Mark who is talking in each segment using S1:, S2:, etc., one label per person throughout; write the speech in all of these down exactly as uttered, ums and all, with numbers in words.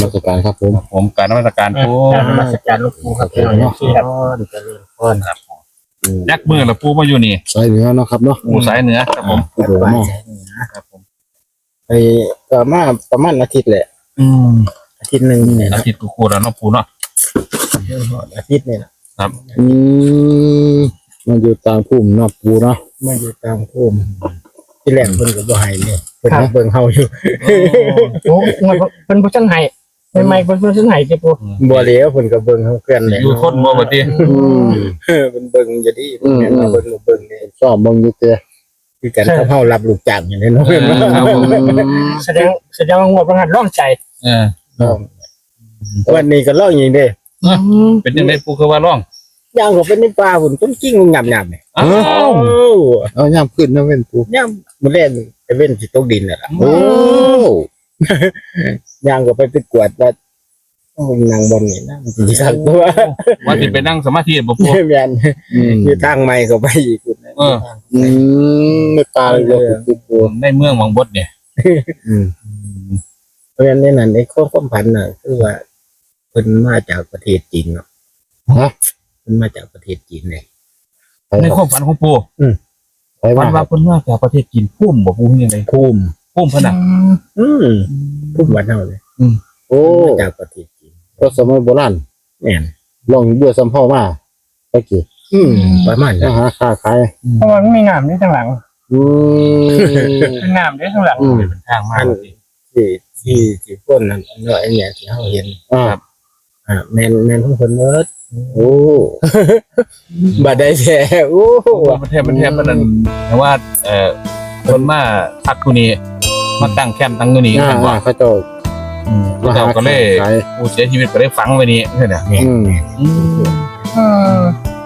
S1: ราชการครับผม
S2: ผมการนมัสการปู
S3: การนมัสการหลวงปู่ครับพี่น้องที่ครับเจริญพรครับ
S2: ยักมือละปูมาอยู่นี่
S1: สายเหนือเนาะครับเนาะ
S2: ปูสายเหนือครับผม
S1: โอ้โหเนาะ
S2: ครับผม
S3: ไปก็มาประมาณอาทิตย์แหละ
S2: อืม
S3: อาทิตย์หนึ่งเนี่ย
S2: อาทิตย์กูคูแล้วเนาะปูเนาะ
S3: อาทิตย์เนี่ย
S2: ครับ
S1: อืมมันอยู่ต่างภูมิเนาะปูเนาะ
S3: มาอยู่ตามภูมิที่แรกเพิ่นก็บ่ให้เลยเพิ่นเบิ่งเฮาอยู่
S4: โอ้เงินเพิ่นบ่ทันให้ใหม่ๆเพิ่นบ่ทันให้ติปู
S3: บ่เหลียวเพิ่นก็เบิ่งเฮาเพื่อนแหละ
S2: อยู่ทนบ่บ่ติ
S1: อืม
S3: เออเพิ่นเบิ่งอยู่ดีเพิ่นแม่นว่าเบิ่งเบิ่งนี่
S1: ชอบเบิ่งอยู่เตะ
S3: คือกันกับเฮารับลูกจ้างอย่างนี้เนาะ
S2: เออครับผม
S4: แสดงแสดงว่างวดประหันร้องใจ
S2: เออ
S3: วันนี้ก็ร้องอย่างนี้เด้
S2: เป็นยังไงปูคือว่าร้อง
S3: ย่างก็เป็นในป่าพุ่นต้นกิ้งงับๆนี่
S2: อ้าว
S3: โอ้
S1: เอาย่ำขึ้นนะเว้นปู
S3: ย่างมื้อแรกจะเว้นสิตกดินน่ะล่ะ
S1: โอ้
S3: ย่างก็ไปไปกวดว่าต้องนางบนนี่นะมันสิสักตัว
S2: ว่าสิไปนั่งสมาธิบ่ปู
S3: แม่น
S1: อืม
S3: อยู่ทางใหม่ก็ไปอีกพุ่นนะ
S2: เออ
S1: อืมไม่ตาเลยว่าปูปู
S2: ในเมืองวังบดเนี่ย
S1: อืม
S3: เพราะฉะนั้นในนั้นในข้อความพันธ์น่ะคือว่าเพิ่นมาจากประเทศจีนเนาะ
S1: ฮะ
S3: เพิ่นมาจากประเทศจีนเลย
S1: ไป
S2: ใน
S1: ค
S2: ครับ วามฝันของปู
S1: ไป
S2: ฝั
S1: มาน
S2: ว่าเพิ่นมาจากประเทศจีนพุ่มบ่ปูยังไง
S3: ภูมิ
S2: พุ่มพะน่ะ
S3: อืมภูมิบ้านเฮาเลย
S1: โอ้
S3: มาจากประเทศจีน
S1: ก็สมัยโบราณ
S3: แม่น
S1: ลองเบื่อสัมพ่อมาไปกี่
S3: อืมประมาณ
S1: นะ
S3: นั้น
S1: ฮะค้าขาย
S4: เพราะว่ามันมีน้ำนี่ข้างหลัง
S1: อืม
S4: เป็นน้ำนี่ข้างหลัง
S1: อืม
S2: เป็นทางมา
S3: ที่ที่ที่พ้นนั่นเนาะไอ้เนี่ยที่เฮาเห็น
S1: อ่า
S3: อ่าแม่นแม่นของเพิ่นเบิด
S1: โอ้
S3: บ่ได้แท้โอ้
S2: มันแทบมันแทบมันนั่นแต่ว่าเอ่อคนมาพักที่นี่มาตั้งแคมป์ตั้งที่นี่
S1: อ่า
S2: กันว่า
S1: อ่าเขาเจ้า
S2: พระเจ้าก็เลย
S1: ขาย
S2: ผู้เสียชีวิตก็ได้ฝังไว้นี่ใช่ไหม
S3: แม่น
S1: อืม
S4: อืม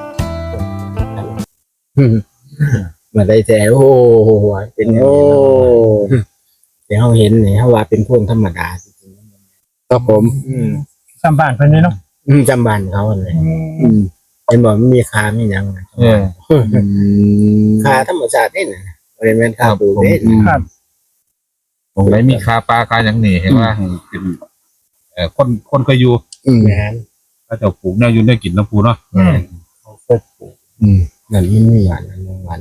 S3: บ่ได้แท้โอ้เป็นอย่าง
S1: โอ้
S3: นี้เนาะ แต่เขาเห็นเนี่ยเขาว่าเป็นพวกธรรมดาจริง
S1: ครับผม
S3: ๆอืม
S4: สัมบ้านเพิ่นนี่เนาะ
S3: อืมจำบานเขาเลย
S1: อืม
S3: เห็นบอกมันมีคาไม่ยังนะ
S2: เออ
S1: อืม
S3: คาธรรมชาตินี่นะบริเวณคาปูเด้
S1: อืม
S4: ครับ
S2: ตรงไหนมีคาปลาคาอย่างนี้เห็นว่าเป็นเอ่อคนคนเคยอยู่
S1: อืม
S3: แม่น
S2: พระเจ้าปลูกแนวอยู่ได้กินน้ำปูเนาะ
S4: อืม
S3: เขาก็ปลูก
S1: อืม
S3: นั่นมันไม่หวานนั่นมันหวาน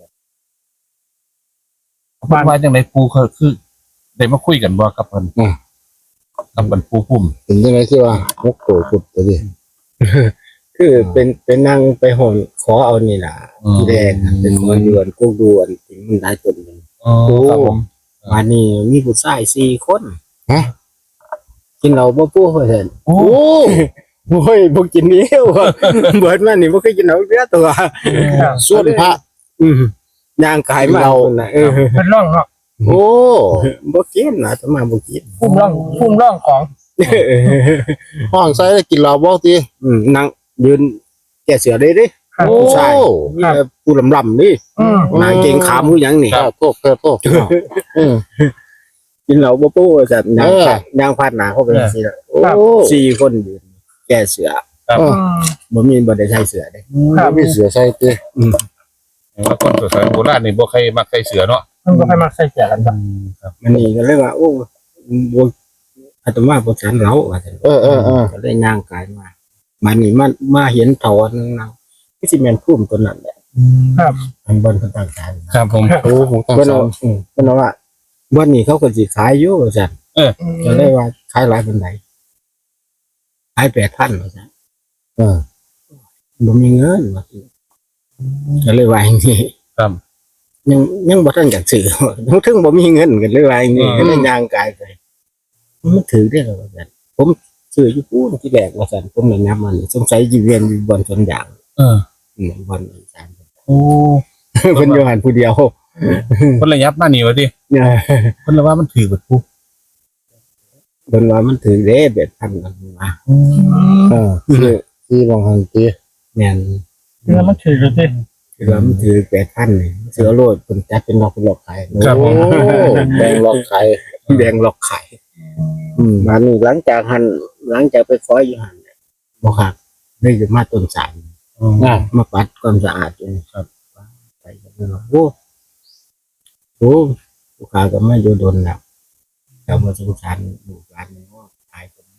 S2: บ้านว่าจังไรปูเขาคือได้มาคุยกันบ่กับเพิ่นกับเพิ่นปูพุ่ม
S1: เห็นยังไงที่ว่านกโกกุดตัวดิ
S3: คือเป็นเป็นนั่งไปหอนขอเอานี่ล่ะที่แรกน่ะเป็นขอดวนกุกดวนถึงมันได้ต้นหนึง
S2: อ๋อครับผม
S3: วันนี้มีผู้ชายสี่คน
S1: ฮะ
S3: กินเหล้าบ่ปู้เพิ่น
S2: โอ้
S1: โอ้
S3: โอ้ยบ่กินนี้ว่ะเบิดมานี่บ่เคยกินเหล้าเสียตัว
S1: ส่วนพระ
S3: อืมย่างกายมาเอาน่ะเออ
S4: เพิ่นร้องเนาะ
S1: โอ้
S3: บ่กินนะจะมาบ่กิน
S4: พุ่มร้องพุ่มร้องของ
S1: ห้องใส่ได้กินเหล้าบ่ติ
S3: อืมนั่งยืนแก่เสือได้เด้
S4: ครับ
S1: โอ้
S3: ใช่มีแต่ผู้ลำๆนี่
S4: อืม
S3: นางเก่งขาผู้หยังนี่
S1: ครับโทษเพื่อโทษอืม
S3: กินเหล้าบ่ปู้จัดนาง
S1: เออ
S3: พาดนางพาดหนาเข้าไปสิล่ะ
S1: โอ้
S3: สี่คนยืนแก่เสือ
S1: เออ
S4: อืม
S3: บ่มีบ่ได้ใช้เสือเด้
S4: ครับ
S1: มีเสือใส่ติ
S2: ว่าคนสมัยโบราณนี่บ่ใครมักใครเสือเนาะ
S4: มันบ่ค่อยมักใส่เสื้อกันครับ
S2: ครับ
S3: มันนี่ก็เลยว่าโอ้บ่อาตมาบ่ฉันเหล้าว่าซั่น
S1: เออเออเออ
S3: ก็เลยย่างกายมามันนี่มันมาเห็นถอนนางที่สิแม่นพุ่มตัวนั้นแหละ
S4: ครับ
S3: มันบนคนต่างกัน
S2: ครับผม
S1: โอ้ผมตั้ง
S3: เพิ่น
S1: สา
S3: เอา
S1: ม
S3: อืมเพิ่นเอาว่าวันนี้เขาก็สิขายอยู่ว่าซั่น ก็เลยว่าขายหลายเป็นไหนขายแปดพันว่าซั่น
S1: เออ
S3: บ่มีเงินว่าซั่นก็เลยว่าอย่างนี้
S2: ครับ
S3: ยังยังบ่ทันอยากซื้อ ยังถึงบ่มีเงินก็เลยว่าอย่างนี้ก็เลยย่างกายไปมันถือได้หรอว่าซั่นผมซื้ออยู่ปูนที่แรกว่าซั่นผมเลยนับมันสงสัยสิเวียนอยู่บนสวนยาง
S2: เออ
S3: อืมบนสาม
S2: โอ้
S3: เพิ่นอยู่หันผู้เดียว
S2: เพิ่นระยับมานี่ว่าติ
S3: เนี่ย
S2: เพิ่นละว่ามันถือเบิดปู
S3: เพิ่นว่ามันถือเด้แปดพันกันว่า
S1: เออที่ที่บางหันติ
S3: แม่น
S4: เนื้อมันถือเลยสิ
S3: คือว่ามันถือแปดพันนี่เสือโลดเพิ่นจัดเป็นล็อกเป็นล็อกขาย
S1: โอ้แบ่งล็อกขาย
S3: แดงล็อกขาย
S1: อืม
S3: มานี่หลังจากหันหลังจากไปคอยอยู่หันเนี่ยบ่ครับได้จะมาต้นสาย
S1: อ่า
S3: มาปัดความสะอาดอยู่ครับไปกันเนาะโอ้โหลูกค้าก็ไม่อยู่โดนแล้วแต่มาสงสารลูกหลานนี่ว่าขายคน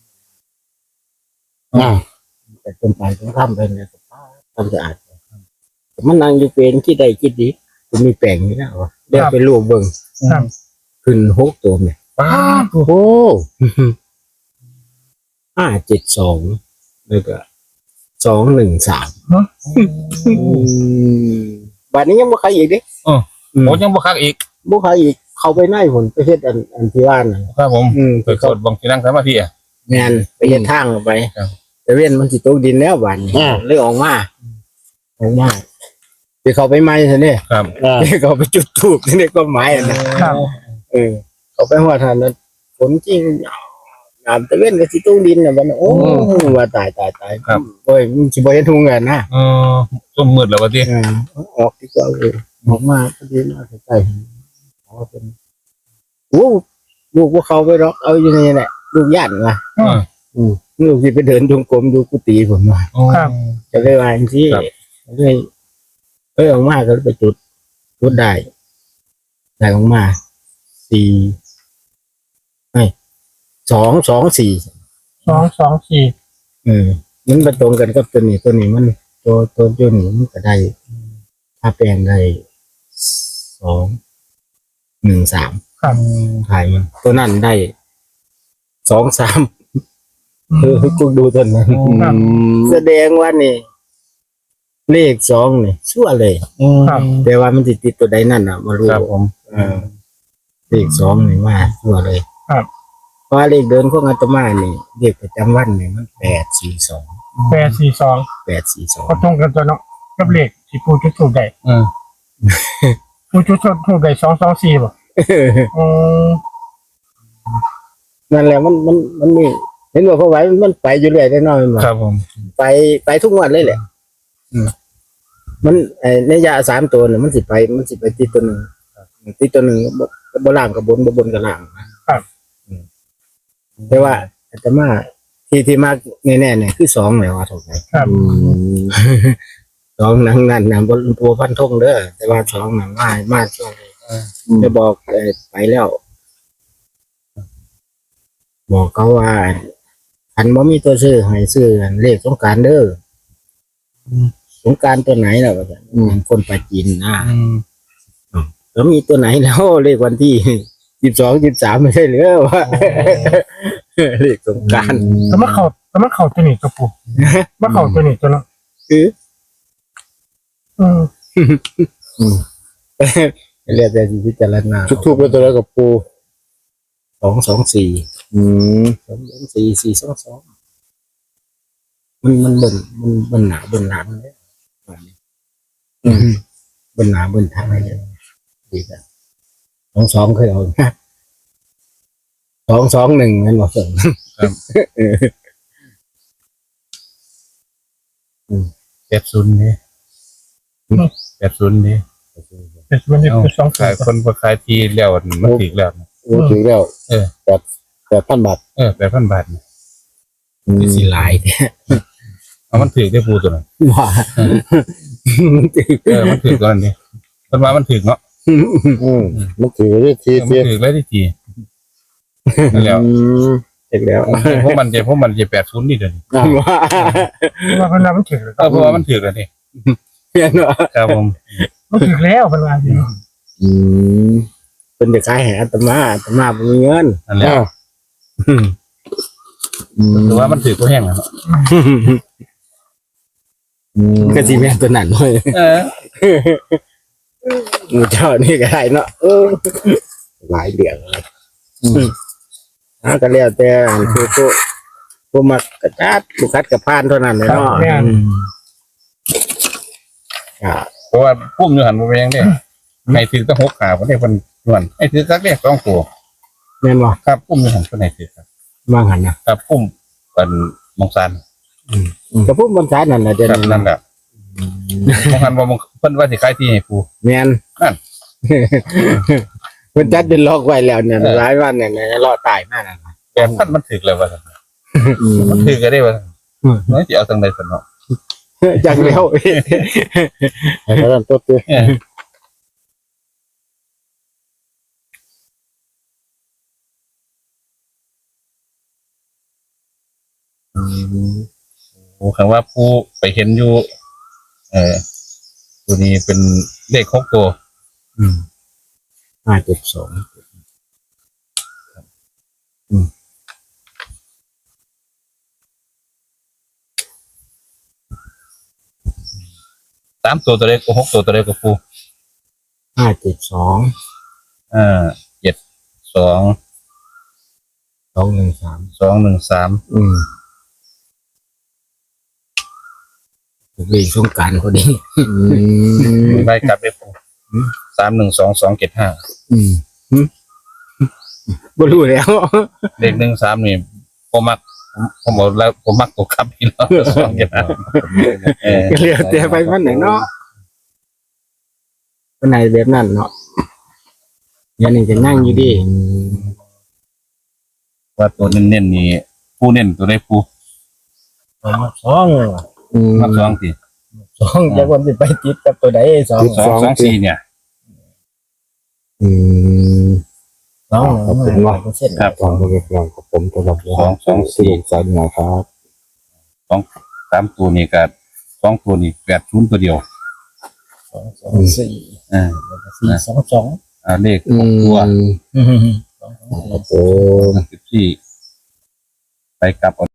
S1: อ่า
S3: แต่ต้นไปต้องทำไปเนี่ยทำสะอาดมันนั่งอยู่เป็นคิดได้คิดดีผมมีแปลงนี่นะวะเดี๋ยวไปลูกเบิ่ง
S4: ครับ
S3: ขึ้นหกตัวเนี่ย
S2: ป้า
S1: โอ้โห
S3: ห้าเจ็ดสองแล้วก็สองหนึ่งสามบัดนี้ยังบ่ใครอีกดิ
S2: โอ้ยังบ่คักอีก
S3: บ่ใครอีกเขาไปไหนผลไปเฮ็ดอันอันที่ว่าน่ะ
S2: ครับผม
S3: อืม
S2: ไปกดบังที่นั่งสมาธิอ่ะ
S3: แม่นไปเฮ็ดทางออกไป
S2: ครับ
S3: แต่เว้นมันสิตกดินแล้วบัดนี้เลยออกมาออกมาที่เขาไปไหม้ซั่นนี่
S2: ครับ
S1: อ่า
S3: ที่เขาไปจุดธูปนี่ก็หมายอันนั้น
S4: ครับ
S3: เออเขาไปหัวทานนั้นฝนจริงน้ำตะเว้นก็สิตกดินน่ะบัดนั้นโอ้ว่าตายตายตายโอ้ยมันสิบ่เห็นทุ่งกันนะ
S2: เออต้มมืดแล้วว่าที่
S3: เออออกดีกว่าเลยออกมาพอดีมาใกล้ๆอ๋อเป็นโอ้ลูกว่าเขาไปหรอกเอาอยู่นี่แหละลูกย่านว่ะ
S2: อืม
S3: ลูกที่ไปเดินจงกรมดูกุฏิผมว่า
S4: ครับ
S3: จะเลยว่าอย่างที่
S2: ครับ
S3: เลยเอ้ยออกมาก็ไปจุดจุดได้ได้ออกมาสี่ไม่สองสองสี่
S4: สองสองสี่
S3: เออมันไปตรงกันกับตัวนี้ตัวนี้มันตัวตัวตัวนี้มันก็ได้ถ้าแปลงได้สองหนึ่งสาม
S4: ครับ
S3: ขายมันตัวนั้นได้สองสามคือกูดูตัวนั้น
S4: ครับ
S3: แสดงว่านี่เลขสองนี่ชั่วเลย
S4: ครับ
S3: แต่ว่ามันติดติดตัวใดนั่นอ่ะมารู้
S2: ครับผม
S3: เออเลขสองนี่มาชั่วเลย
S4: ครับ
S3: เพราะว่าเลขเดินของอาตมานี่เลขประจำวันนี่มันแปดสี่สอง
S4: แปดสี่สอง
S3: แปดสี่สอง
S4: ก็ตรงกันตัวเนาะกับเลขที่ปูจุดถูกได้
S2: เออ
S4: ปูจุดถูกได้สองสองสี่ป่ะอืม
S3: นั่นแหละมันมันมันมีเห็นว่าเพราะไว้มันไปอยู่เรื่อยได้น้อยมา
S2: ครับผม
S3: ไปไปทุกวันเลยแหละอืมมันไอ้ในยาสามตัวเนี่ยมันสิไป มันสิไปติดตัวหนึ่งติดตัวหนึ่งบ่บ่ล่างกับบนบ่บนกับล่างนะครับ อืมแต่ว่าอาตมาที่ที่มากแน่ๆเนี่ยคือสองเลยว่าถูกไหม
S4: ครับ
S3: สองหนังนั่นนะบนตัวพันธงเด้อแต่ว่าสองหนังมามาช่วงนี้จะบอกเอ่อไปแล้ว บอกเขาว่าอันบ่มีตัวซื้อให้ซื้ออันเลขสงกรานต์เด้ออสงกรานต์ตัวไหนล่ะว่าซั่นคนไปจีนนะ
S2: อืม
S3: แล้วมีตัวไหนแล้วเลขวันที่สิบสองสิบสามไม่ใช่หรือว่าเลขสงกรานต์
S4: แต่มาเข่าแต่มาเข่าตัวนี้ตัวปูมาเข่าตัวนี้ตัวเนาะ
S3: คือ
S4: อืม
S3: เรียกแต่สิพิจารณา
S1: ทุกทุกเป็นตัวแล้วกับปู
S3: สองสองสี่
S1: อืม
S3: สองสองสี่สี่สองสองมันมันบนมันบนหนาบนหลังเลยบนหนาบนทางอะไรดีจ้ะสองสองเคยเอาสองสองหนึ่งนั่นบอกส่ง
S2: แปดศูนย์นี่แปดศูนย์นี่
S4: เป็นวันที่คือสอง
S2: ขายคนบ่ขายทีแล้วมันถึกแล้ว
S1: โอ้ถึงแล้ว
S2: เออ
S1: แปดแปดพันบาท
S2: เออแปดพันบาทนี่
S1: อืม
S3: สีลายเนี่ย
S2: เอามันถึกได้ปูตัวนั้น
S3: ว่า
S2: เออมันถึกตัวนั้นนี่เพิ่นว่ามันถึกเนาะ
S1: อืมมันถือได้ที
S2: เออมัน
S1: เทีย
S2: ถึกเลยที่ทีนั่นแล้ว
S1: อืม
S3: เสร็จแล้ว
S2: พวกมันจะพวกมันจะแปดศูนย์นี่เด้อนี่
S1: อ่า
S3: ว่า
S4: ว่าเพิ่นว่ามันถึงแล้ว
S2: เออเพราะว่ามันถึกแล้วนี่
S3: เพี้ยนว่า
S2: ครับผม
S4: มันถึงแล้วเพิ่นว่าอยู่
S1: อืม
S3: เป็นเด็กขายแห่อาตมาอาตมาบ่มีเงิน
S2: นั่นแหละ
S1: อ้าวอืม
S2: แต่ว่ามันถึกก็แห้งแล้วเนาะ
S1: อืม
S3: ก็สิแม่นตัวนั้นเลย
S2: เออ
S3: หมูเจ้านี่ก็ได้เนาะเออหลายเดือนเลยอ่าก็แล้วแต่ผู้ผู้ผู้มักกระจัดผู้คัดกระพานเท่านั้นเลยเนาะ
S4: แม่น
S3: อ่า
S2: เพราะว่าพุ่มอยู่หันบ่แม่งเด้ให้ถือตั้งหกขาบ่ได้เพิ่นนวลให้ถือสักเด้สองตัว
S3: แม่นบ่
S2: ครับพุ่มอยู่หันเพิ่นให้ถือครับ
S3: ว่างหันนะครับ
S2: พุ่มเป็นมงซัน
S3: ก็พูดบนสายนั่นน่ะเดี๋ยว
S2: ครับ
S3: นี้
S2: นั่นแหละมงซันบ่มงเพิ่นว่าสิขายที่ให้ปู
S3: แม่น
S2: นั่น
S3: เพิ่นจัดเป็นล็อกไว้แล้วเนี่ยหลายวันเนี่ยเนี่ยรอตายมากนะ
S2: แต่พันมันถึกแล้วว่าซั่น
S1: อืม
S2: มันถึกก็ได้ว่าซั่นเนาะสิเอาจังได๋ซั่นเนาะ
S3: จังแล้ว
S1: ให้เขาดันตัวเตี้ย
S2: เออ
S1: อืม
S2: โอ้คำว่าผู้ไปเห็นอยู่เออตัวนี้เป็นเลขหกตัว
S3: อืมห้าเจ็ดสอง
S2: สามตัวตัวเลขหกตัวตัวเลขกับผู้
S3: ห้าเจ็ดสอง
S2: อ่าเจ็ดสอง
S3: สองหนึ่งสาม
S2: สองหนึ่งสาม
S3: อืมวิ่งสงกรารพอดี
S1: อืม
S2: ใบกลับเลขผู้สามหนึ่งสองสองเจ็ดห้า
S3: อืมบ่รู้แล้ว
S2: เลขหนึ่งสามนี่ผมมักผมผมบอกแล้วผมมักตัวครับพี่น้องสองเจ็ดห้าเออ
S3: ก็เหลือแต่ไปมันไหนเนาะวันไหนแบบนั้นเนาะยันนี่จะนั่งอยู่ดี
S2: ว่าตัวเน้นๆนี่ผู้เน้นตัวได้ผู้
S4: ผมมาสอง
S1: อืม
S2: มักสองที
S4: สองจากวันที่ไปติดกับตัวใดสอง
S2: สองสองสี่เนี่ย
S1: อืม
S4: สองหนึ่งเปอร์เซ็นต์
S2: ครับ
S1: ฟังมาเรียบร้อยกับผมตลอด
S2: สองสองสี่
S1: สายหนาครับ
S2: สองสามตัวนี่กับสองตัวนี่แปดศูนย์ตัวเดียว
S4: สองสองสี่
S2: อ่า
S4: แล้วก็สี่สองสอง
S2: อ่าเลข
S1: อื
S2: หก
S1: ม
S2: ตัว
S4: อืมสองสองสี่
S1: ครับผม
S2: สิบสี่ไปกลับเอา